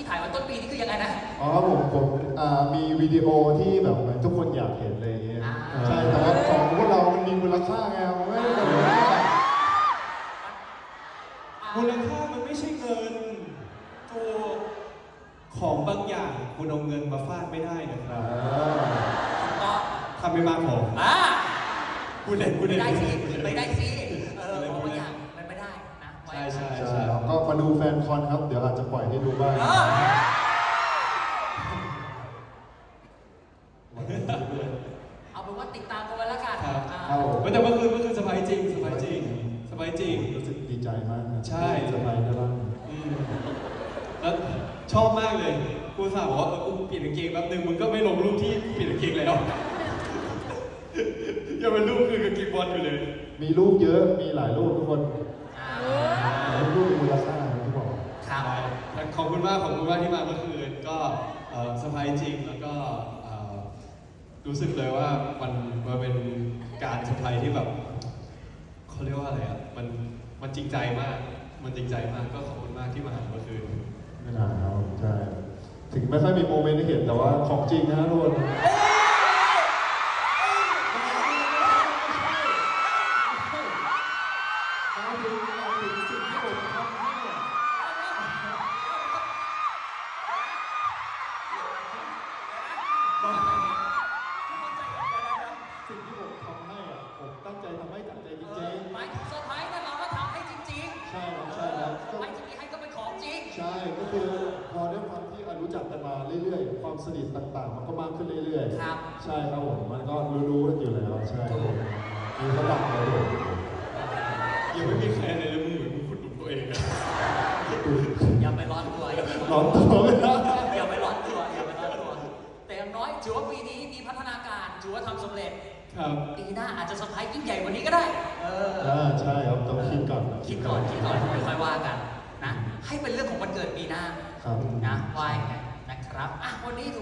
ที่ถ่ายวันต้นปีนี่คือยังไงนะอ๋อผมมีวิดีโอที่แบบทุกคนอยากเห็นอะไรอย่างเงี้ยใช่แต่ว่าของพวกเรามันมีมูลค่าไงมันไม่ได้แบบมูลค่ามันไม่ใช่เงินตัวของบางอย่างคุณเอาเงินมาฟาดไม่ได้นะครับก็ทำไม่มากพอพูดเล่นไม่ได้สิของบางอย่างมันไม่ได้นะใช่ก็มาดูแฟนคอนครับเดี๋ยวอาจจะปล่อยให้ดูบ้างเอาเป็นว่าติดตามกันไว้แล้วกันแต่เมื่อคืนสบายจริงรู้สึกดีใจมากใช่สบายได้บ้างแล้วชอบมากเลยกูสาวบอกว่ากูเปลี่ยนกางเกงแป๊บนึงมึงก็ไม่ลงรูปที่เปลี่ยนกางเกงแล้วอย่าเป็นรูปคือกางเกงบอลอยู่เลยมีรูปเยอะมีหลายรูปทุกคนรูปมูลค่าที่บอกขอบคุณมากที่มาเมื่อคืนก็สบายจริงแล้วก็รู้สึกเลยว่ามันเป็นการเซอร์ไพรส์ที่แบบเขาเรียกว่าอะไรอ่ะมันจริงใจมากก็ขอบคุณมากที่มาเมื่อคืนไม่นานครับใช่ถึงไม่ค่อยมีโมเมนต์ให้เห็นแต่ว่าของจริงนะทุกคนสิ่งที่ผมทำให้ผมตั้งใจทำให้จากใจจริงๆหมายถึงเซอร์ไพรส์นั่นเราก็ทำให้จริงๆใช่ครับไม่ที่มีให้ก็เป็นของจริงใช่ก็คือพอด้วยความที่รู้จักกันมาเรื่อยๆความสนิทต่างๆมันก็มากขึ้นเรื่อยๆครับใช่ครับผมมันก็รู้กันอยู่แล้วใช่มีระดับเลยยังไม่มีใครในเรื่องมือมึงขุดหลุมตัวเองอะอย่าไปร้อนตัวอย่าไปร้อนตัวแต่อย่างน้อยถือว่าปีนี้มีพัฒนาการถือว่าทำสำเร็จปีหน้าอาจจะเซอร์ไพรส์ยิ่งใหญ่กว่านี้ก็ได้ใช่ครับต้องคิดก่อนค่อยว่ากันนะให้เป็นเรื่องของวันเกิดปีหน้านะไหว้นะครับวันนี้